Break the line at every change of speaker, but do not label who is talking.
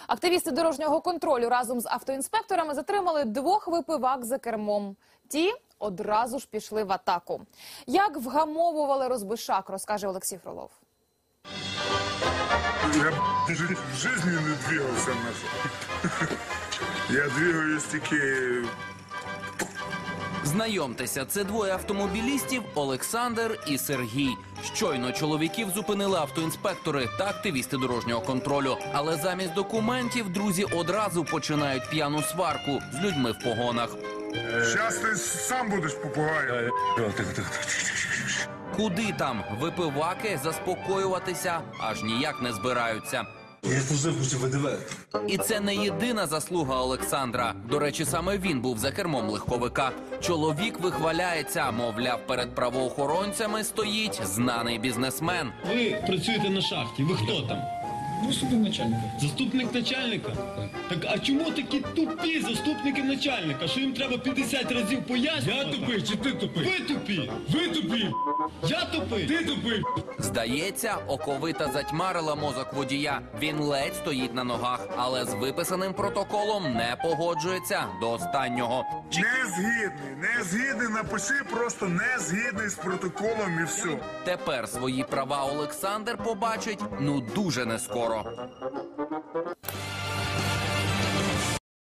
Активісти дорожнього контролю разом з автоінспекторами затримали 2 випивак за кермом. Ті одразу ж пішли в атаку. Як вгамовували розбишак, розкаже Олексій Фролов.
Я в жизни не двигался назад. Я двигаюсь тільки...
Знайомтеся, це 2 автомобілістів – Олександр і Сергій. Щойно чоловіків зупинили автоінспектори та активісти дорожнього контролю. Але замість документів друзі одразу починають п'яну сварку з людьми в погонах.
Зараз ти сам будеш попугаєм.
Куди там? Випиваки заспокоюватися аж ніяк не збираються.
Я служив у ВДВ.
І це не єдина заслуга Олександра. До речі, саме він був за кермом легковика. Чоловік вихваляється, мовляв, перед правоохоронцями стоїть знаний бізнесмен.
Ви працюєте на шахті, ви хто там?
Заступник начальника.
Заступник начальника? Так а чому такі тупі заступники начальника? Що їм треба 50 разів пояснювати?
Я тупий чи ти тупий?
Ви тупі!
Ви тупі!
Я тупий!
Ти тупий!
Здається, оковита затьмарила мозок водія. Він ледь стоїть на ногах, але з виписаним протоколом не погоджується до останнього.
Не згідний, напиши просто не згідний з протоколом і все.
Тепер свої права Олександр побачить, дуже нескоро.